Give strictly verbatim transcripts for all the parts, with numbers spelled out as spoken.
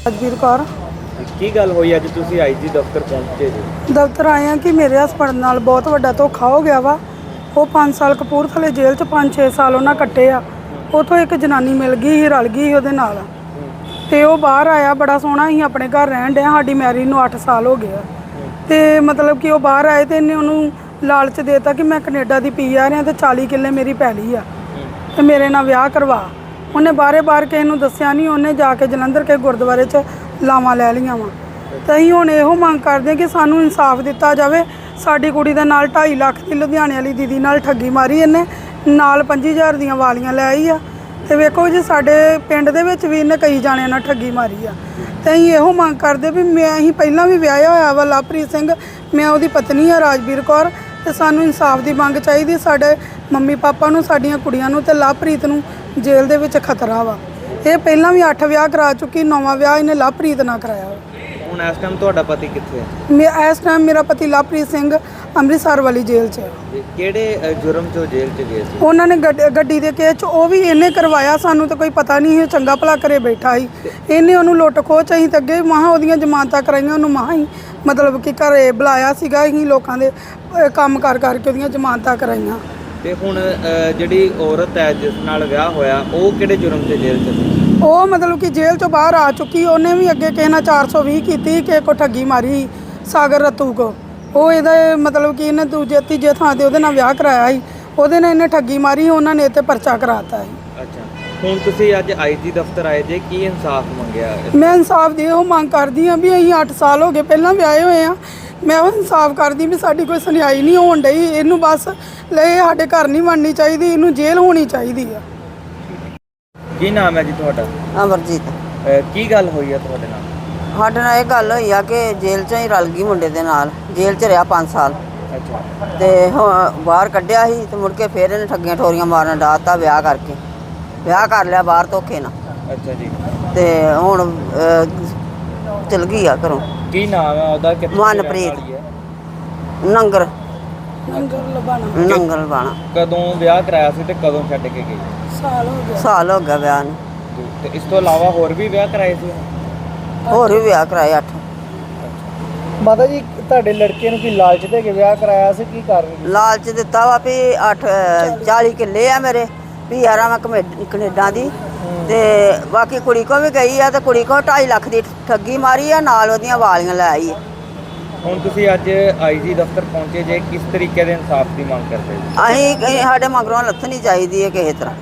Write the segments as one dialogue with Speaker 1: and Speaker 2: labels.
Speaker 1: ਰਾਜਵੀਰ ਕੌਰ।
Speaker 2: ਕੀ ਗੱਲ ਹੋਈ ਅੱਜ ਤੁਸੀਂ ਆਈਜੀ ਦਫ਼ਤਰ ਪਹੁੰਚੇ ਜੀ?
Speaker 1: ਦਫ਼ਤਰ ਆਏ ਆ ਕਿ ਮੇਰੇ ਹਸਬੰਡ ਨਾਲ ਬਹੁਤ ਵੱਡਾ ਧੋਖਾ ਹੋ ਗਿਆ ਵਾ। ਉਹ ਪੰਜ ਸਾਲ ਕਪੂਰਥਲੇ ਜੇਲ੍ਹ 'ਚ ਪੰਜ ਛੇ ਸਾਲ ਉਹਨਾਂ ਕੱਟੇ ਆ। ਉੱਥੋਂ ਇੱਕ ਜਨਾਨੀ ਮਿਲ ਗਈ ਸੀ, ਰਲ ਗਈ ਸੀ ਉਹਦੇ ਨਾਲ, ਤੇ ਉਹ ਬਾਹਰ ਆਇਆ। ਬੜਾ ਸੋਹਣਾ ਸੀ, ਆਪਣੇ ਘਰ ਰਹਿਣ ਡਿਆ। ਸਾਡੀ ਮੈਰਿਜ ਨੂੰ ਅੱਠ ਸਾਲ ਹੋ ਗਏ ਆ। ਤੇ ਮਤਲਬ ਕਿ ਉਹ ਬਾਹਰ ਆਏ ਤੇ ਇਹਨੇ ਉਹਨੂੰ ਲਾਲਚ ਦੇਤਾ ਕਿ ਮੈਂ ਕੈਨੇਡਾ ਦੀ ਪੀ ਆ ਰਿਹਾ ਤੇ ਚਾਲੀ ਕਿੱਲੇ ਮੇਰੀ ਪੈਲੀ ਆ ਤੇ ਮੇਰੇ ਨਾਲ ਵਿਆਹ ਕਰਵਾ। ਉਹਨੇ ਬਾਰੇ ਬਾਰ ਕਿਸੇ ਨੂੰ ਦੱਸਿਆ ਨਹੀਂ। ਉਹਨੇ ਜਾ ਕੇ ਜਲੰਧਰ ਕੇ ਗੁਰਦੁਆਰੇ 'ਚ ਲਾਵਾਂ ਲੈ ਲਈਆਂ ਵਾ। ਤੇ ਅਸੀਂ ਹੁਣ ਇਹੋ ਮੰਗ ਕਰਦੇ ਕਿ ਸਾਨੂੰ ਇਨਸਾਫ ਦਿੱਤਾ ਜਾਵੇ। ਸਾਡੀ ਕੁੜੀ ਦੇ ਨਾਲ ਢਾਈ ਲੱਖ ਦੀ ਲੁਧਿਆਣੇ ਵਾਲੀ ਦੀਦੀ ਨਾਲ ਠੱਗੀ ਮਾਰੀ ਇਹਨੇ, ਨਾਲ ਪੰਜੀ ਹਜ਼ਾਰ ਦੀਆਂ ਵਾਲੀਆਂ ਲੈ ਆਈ ਆ। ਤੇ ਵੇਖੋ ਜੀ, ਸਾਡੇ ਪਿੰਡ ਦੇ ਵਿੱਚ ਵੀ ਇਹਨੇ ਕਈ ਜਾਣਿਆਂ ਨਾਲ ਠੱਗੀ ਮਾਰੀ ਆ। ਤੇ ਅਸੀਂ ਇਹੋ ਮੰਗ ਕਰਦੇ ਵੀ ਮੈਂ ਅਸੀਂ ਪਹਿਲਾਂ ਵੀ ਵਿਆਹਿਆ ਹੋਇਆ ਵਾ ਲਵਪ੍ਰੀਤ ਸਿੰਘ, ਮੈਂ ਉਹਦੀ ਪਤਨੀ ਆ ਰਾਜਵੀਰ ਕੌਰ। ਤੇ ਸਾਨੂੰ ਇਨਸਾਫ ਦੀ ਮੰਗ ਚਾਹੀਦੀ। ਸਾਡੇ ਮੰਮੀ ਪਾਪਾ ਨੂੰ, ਸਾਡੀਆਂ ਕੁੜੀਆਂ ਨੂੰ ਤੇ ਲਵਪ੍ਰੀਤ ਨੂੰ ਜੇਲ੍ਹ ਦੇ ਵਿੱਚ ਖਤਰਾ ਵਾ। ਇਹ ਪਹਿਲਾਂ ਵੀ ਅੱਠ ਵਿਆਹ ਕਰਾ ਚੁੱਕੀ, ਨੌਵਾਂ ਵਿਆਹ ਇਹਨੇ ਲਵਪ੍ਰੀਤ ਨਾਲ ਕਰਾਇਆ।
Speaker 2: ਹੁਣ ਇਸ ਟਾਈਮ ਤੁਹਾਡਾ ਪਤੀ ਕਿੱਥੇ ਹੈ?
Speaker 1: ਮੈਂ ਇਸ ਟਾਈਮ ਮੇਰਾ ਪਤੀ ਲਵਪ੍ਰੀਤ ਸਿੰਘ ਅੰਮ੍ਰਿਤਸਰ ਵਾਲੀ ਜੇਲ੍ਹ 'ਚ ਹੈ।
Speaker 2: ਕਿਹੜੇ ਜੁਰਮ 'ਚ ਜੇਲ੍ਹ 'ਚ ਗਏ ਸੀ?
Speaker 1: ਉਹਨਾਂ ਨੇ ਗੱਡੀ ਦੇ ਕੇਸ 'ਚ ਉਹ ਵੀ ਇਹਨੇ ਕਰਵਾਇਆ। ਸਾਨੂੰ ਤਾਂ ਕੋਈ ਪਤਾ ਨਹੀਂ, ਇਹ ਚੰਗਾ ਭਲਾ ਘਰੇ ਬੈਠਾ ਸੀ। ਇਹਨੇ ਉਹਨੂੰ ਲੁੱਟ ਖੋਹ ਚ ਅਸੀਂ ਤਾਂ ਅੱਗੇ ਮਹਾਂ ਉਹਦੀਆਂ ਜ਼ਮਾਨਤਾਂ ਕਰਾਈਆਂ। ਉਹਨੂੰ ਮਹਾਂ ਹੀ ਮਤਲਬ ਕਿ ਘਰੇ ਬੁਲਾਇਆ ਸੀਗਾ। ਅਸੀਂ ਲੋਕਾਂ ਦੇ ਕੰਮ ਕਰ ਕਰਕੇ ਉਹਦੀਆਂ ਜ਼ਮਾਨਤਾਂ ਕਰਾਈਆਂ।
Speaker 2: ਤੇ ਹੁਣ ਜਿਹੜੀ ਔਰਤ ਹੈ ਜਿਸ ਨਾਲ ਵਿਆਹ ਹੋਇਆ, ਉਹ ਕਿਹੜੇ ਜੁਰਮ 'ਚ ਜੇਲ੍ਹ 'ਚ ਸੀ?
Speaker 1: ਉਹ ਮਤਲਬ ਕਿ ਜੇਲ੍ਹ 'ਚੋਂ ਬਾਹਰ ਆ ਚੁੱਕੀ। ਉਹਨੇ ਵੀ ਅੱਗੇ ਕਿਸੇ ਨਾਲ ਚਾਰ ਸੌ ਵੀਹ ਕੀਤੀ, ਕਿਸੇ ਕੋ ਠੱਗੀ ਮਾਰੀ, ਸਾਗਰ ਰਤੂ ਕੋ। ਉਹ ਇਹਦਾ ਮਤਲਬ ਕਿ ਇਹਨੇ ਦੂਜੇ ਤੀਜੇ ਥਾਂ 'ਤੇ ਉਹਦੇ ਨਾਲ ਵਿਆਹ ਕਰਾਇਆ ਸੀ। ਉਹਦੇ ਨਾਲ ਇਹਨੇ ਠੱਗੀ ਮਾਰੀ, ਉਹਨਾਂ ਨੇ ਇਹ 'ਤੇ ਪਰਚਾ ਕਰਾਤਾ ਸੀ।
Speaker 2: ਅੱਛਾ, ਹੁਣ ਤੁਸੀਂ ਅੱਜ ਆਈਜੀ ਦਫ਼ਤਰ ਆਏ ਜੇ, ਕੀ ਇਨਸਾਫ ਮੰਗਿਆ?
Speaker 1: ਮੈਂ ਇਨਸਾਫ ਦੀ ਉਹ ਮੰਗ ਕਰਦੀ ਹਾਂ ਵੀ ਅਸੀਂ ਅੱਠ ਸਾਲ ਹੋ ਗਏ ਪਹਿਲਾਂ ਵਿਆਹੇ ਹੋਏ ਆ। ਮੈਂ ਉਹ ਇਨਸਾਫ ਕਰਦੀ ਵੀ ਸਾਡੀ ਕੋਈ ਸੁਣਵਾਈ ਨਹੀਂ ਹੋਣ ਡਈ। ਇਹਨੂੰ ਬਸ ਲੈ ਸਾਡੇ ਘਰ ਨਹੀਂ ਬਣਨੀ ਚਾਹੀਦੀ, ਇਹਨੂੰ ਜੇਲ੍ਹ ਹੋਣੀ ਚਾਹੀਦੀ ਆ।
Speaker 2: ਕੀ ਨਾਮ ਹੈ ਜੀ ਤੁਹਾਡਾ?
Speaker 3: ਅਮਰਜੀਤ।
Speaker 2: ਕੀ ਗੱਲ ਹੋਈ ਹੈ ਤੁਹਾਡੇ ਨਾਲ?
Speaker 3: ਸਾਡੇ ਨਾਲ ਇਹ ਗੱਲ ਹੋਈ ਆ ਕਿ ਜੇਲ੍ਹ 'ਚੋਂ ਹੀ ਰਲ ਗਈ ਮੁੰਡੇ ਦੇ ਨਾਲ। ਜੇਲ੍ਹ 'ਚ ਰਿਹਾ ਪੰਜ ਸਾਲ।
Speaker 2: ਅੱਛਾ।
Speaker 3: ਤੇ ਹੁਣ ਬਾਹਰ ਕੱਢਿਆ ਸੀ ਤੇ ਮੁੜ ਕੇ ਫਿਰ ਇਹਨੇ ਠੱਗੀਆਂ ਠੋਰੀਆਂ ਮਾਰਨ ਡਾਤਾ ਵਿਆਹ ਕਰਕੇ। ਵਿਆਹ ਕਰ ਲਿਆ ਬਾਹਰ ਧੋਖੇ ਨਾਲ।
Speaker 2: ਅੱਛਾ ਜੀ।
Speaker 3: ਤੇ ਹੁਣ ਚਲ ਗਈ ਆ ਘਰੋਂ।
Speaker 2: ਕੀ ਨਾਮ ਹੈ ਉਹਦਾ?
Speaker 3: ਮਨਪ੍ਰੀਤ ਨੰਗਰ
Speaker 1: ਨੰਗਲ ਲਬਾਣਾ।
Speaker 3: ਨੰਗਲ ਬਾਣਾ।
Speaker 2: ਕਦੋਂ ਵਿਆਹ ਕਰਾਇਆ ਸੀ ਤੇ ਕਦੋਂ ਛੱਡ ਕੇ ਗਈ?
Speaker 1: ਸਾਲ ਹੋ ਗਿਆ।
Speaker 3: ਸਾਲ ਹੋ ਗਿਆ ਵਿਆਹ ਨੂੰ।
Speaker 2: ਤੇ ਇਸ ਤੋਂ ਇਲਾਵਾ ਹੋਰ ਵੀ ਵਿਆਹ ਕਰਾਏ ਸੀ?
Speaker 3: ਹੋਰ ਵੀ ਵਿਆਹ ਕਰਾਏ ਅੱਠ।
Speaker 4: ਮਾਤਾ ਜੀ, ਤੁਹਾਡੇ ਲੜਕੇ ਨੂੰ ਕੀ ਲਾਲਚ ਦੇ ਕੇ ਵਿਆਹ ਕਰਾਇਆ ਸੀ? ਕੀ ਕਰ ਰਹੀ?
Speaker 3: ਲਾਲਚ ਦਿੱਤਾ ਵਾ ਵੀ ਅੱਠ ਚਾਲੀ ਕਿੱਲੇ ਆ ਮੇਰੇ, ਵੀ ਯਾਰਾਂ ਮੈਂ ਕਨੇਡਾ ਦੀ। ਤੇ ਬਾਕੀ ਕੁੜੀ ਕੋ ਵੀ ਗਈ ਆ ਤੇ ਕੁੜੀ ਕੋ ਢਾਈ ਲੱਖ ਦੀ ਠੱਗੀ ਮਾਰੀ ਆ, ਨਾਲ ਉਹਦੀਆਂ ਵਾਲੀਆਂ ਲੈ ਆਈ।
Speaker 2: ਹੁਣ ਤੁਸੀਂ ਅੱਜ ਆਈਜੀ ਦਫ਼ਤਰ ਪਹੁੰਚੇ ਜੇ, ਕਿਸ ਤਰੀਕੇ ਦੇ ਇਨਸਾਫ ਦੀ ਮੰਗ ਕਰਦੇ ਜੀ?
Speaker 3: ਅਸੀਂ ਸਾਡੇ ਮਗਰੋਂ ਲੱਥਣੀ ਚਾਹੀਦੀ ਹੈ ਕਿਸੇ ਤਰ੍ਹਾਂ।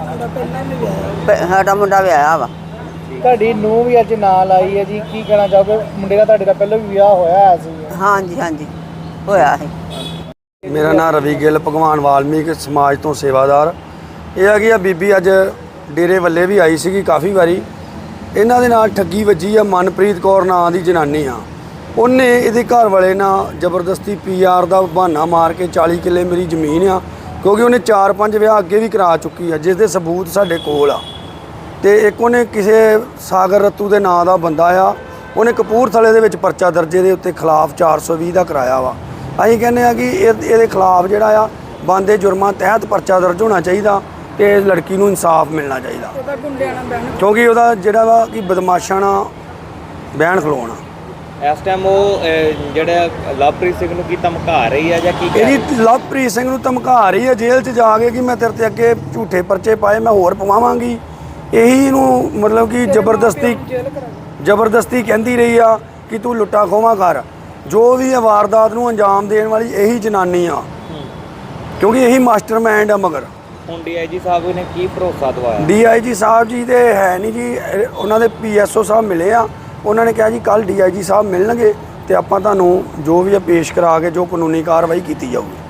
Speaker 3: ਸਾਡਾ ਮੁੰਡਾ ਵਿਆਹਿਆ ਵਾ।
Speaker 4: ਤੁਹਾਡੀ ਨੂੰਹ ਵੀ ਅੱਜ ਨਾਲ ਆਈ ਹੈ ਜੀ, ਕੀ ਕਹਿਣਾ ਚਾਹੋਗੇ? ਮੁੰਡੇ ਦਾ ਤੁਹਾਡੇ ਦਾ ਪਹਿਲਾਂ ਵੀ ਵਿਆਹ ਹੋਇਆ ਸੀ?
Speaker 3: ਹਾਂਜੀ ਹਾਂਜੀ ਹੋਇਆ ਹੈ।
Speaker 5: ਮੇਰਾ ਨਾਮ ਰਵੀ ਗਿੱਲ, ਭਗਵਾਨ ਵਾਲਮੀਕ ਸਮਾਜ ਤੋਂ ਸੇਵਾਦਾਰ। ਇਹ ਆ ਕਿ ਆ ਬੀਬੀ ਅੱਜ ਡੇਰੇ ਵੱਲੇ ਵੀ ਆਈ ਸੀਗੀ ਕਾਫੀ ਵਾਰੀ। ਇਹਨਾਂ ਦੇ ਨਾਲ ਠੱਗੀ ਵੱਜੀ ਆ। ਮਨਪ੍ਰੀਤ ਕੌਰ ਨਾਂ ਦੀ ਜਨਾਨੀ ਆ। ਉਹਨੇ ਇਹਦੇ ਘਰ ਵਾਲੇ ਨਾਲ ਜ਼ਬਰਦਸਤੀ ਪੀ ਆਰ ਦਾ ਬਹਾਨਾ ਮਾਰ ਕੇ ਚਾਲੀ ਕਿੱਲੇ ਮੇਰੀ ਜ਼ਮੀਨ ਆ, ਕਿਉਂਕਿ ਉਹਨੇ ਚਾਰ ਪੰਜ ਵਿਆਹ ਅੱਗੇ ਵੀ ਕਰਾ ਚੁੱਕੀ ਆ, ਜਿਸ ਦੇ ਸਬੂਤ ਸਾਡੇ ਕੋਲ ਆ। ਤੇ ਇੱਕ ਉਹਨੇ ਕਿਸੇ ਸਾਗਰ ਰਤੂ ਦੇ ਨਾਂ ਦਾ ਬੰਦਾ ਆ, ਉਹਨੇ ਕਪੂਰਥਲੇ ਦੇ ਵਿੱਚ ਪਰਚਾ ਦਰਜੇ ਦੇ ਉੱਤੇ ਖਿਲਾਫ ਚਾਰ ਸੌ ਵੀਹ ਦਾ ਕਰਾਇਆ ਵਾ। ਅਸੀਂ ਕਹਿੰਦੇ ਆ ਕਿ ਇਹ ਇਹਦੇ ਖਿਲਾਫ ਜਿਹੜਾ ਆ ਬਣਦੇ ਜੁਰਮਾਂ ਤਹਿਤ ਪਰਚਾ ਦਰਜ ਹੋਣਾ ਚਾਹੀਦਾ ਤੇ ਲੜਕੀ ਨੂੰ ਇਨਸਾਫ ਮਿਲਣਾ ਚਾਹੀਦਾ, ਕਿਉਂਕਿ ਉਹਦਾ ਜਿਹੜਾ ਵਾ ਕਿ ਬਦਮਾਸ਼ਾਂ ਨਾਲ ਬਹਿਣ ਖਲੋਣਾ।
Speaker 2: ਇਸ ਟਾਈਮ ਉਹ ਜਿਹੜਾ ਲਵਪ੍ਰੀਤ ਸਿੰਘ ਨੂੰ ਕੀ ਧਮਕਾ ਰਹੀ ਹੈ ਜਾਂ ਕੀ?
Speaker 5: ਇਹਦੀ ਲਵਪ੍ਰੀਤ ਸਿੰਘ ਨੂੰ ਧਮਕਾ ਰਹੀ ਹੈ ਜੇਲ੍ਹ 'ਚ ਜਾ ਕੇ ਕਿ ਮੈਂ ਤੇਰੇ 'ਤੇ ਅੱਗੇ ਝੂਠੇ ਪਰਚੇ ਪਾਏ, ਮੈਂ ਹੋਰ ਪਵਾਵਾਂਗੀ। ਇਹੀ ਨੂੰ ਮਤਲਬ ਕਿ ਜ਼ਬਰਦਸਤੀ ਜ਼ਬਰਦਸਤੀ ਕਹਿੰਦੀ ਰਹੀ ਆ ਕਿ ਤੂੰ ਲੁੱਟਾ ਖੋਵਾਂ ਕਰ। ਜੋ ਵੀ ਇਹ ਵਾਰਦਾਤ ਨੂੰ ਅੰਜਾਮ ਦੇਣ ਵਾਲੀ ਇਹੀ ਜਨਾਨੀ ਆ, ਕਿਉਂਕਿ ਇਹੀ ਮਾਸਟਰਮਾਈਂਡ ਆ। ਮਗਰ
Speaker 2: ਹੁਣ ਡੀ ਆਈ ਜੀ ਸਾਹਿਬ ਨੇ ਕੀ ਭਰੋਸਾ ਦਵਾਇਆ?
Speaker 5: ਡੀ ਆਈ ਜੀ ਸਾਹਿਬ ਜੀ ਦੇ ਹੈ ਨਹੀਂ ਜੀ, ਉਹਨਾਂ ਦੇ ਪੀ ਐਸ ਓ ਸਾਹਿਬ ਮਿਲੇ ਆ। ਉਹਨਾਂ ਨੇ ਕਿਹਾ ਜੀ ਕੱਲ੍ਹ ਡੀ ਆਈ ਜੀ ਸਾਹਿਬ ਮਿਲਣਗੇ ਤੇ ਆਪਾਂ ਤੁਹਾਨੂੰ ਜੋ ਵੀ ਆ ਪੇਸ਼ ਕਰਾ ਕੇ ਜੋ ਕਾਨੂੰਨੀ ਕਾਰਵਾਈ ਕੀਤੀ ਜਾਊਗੀ।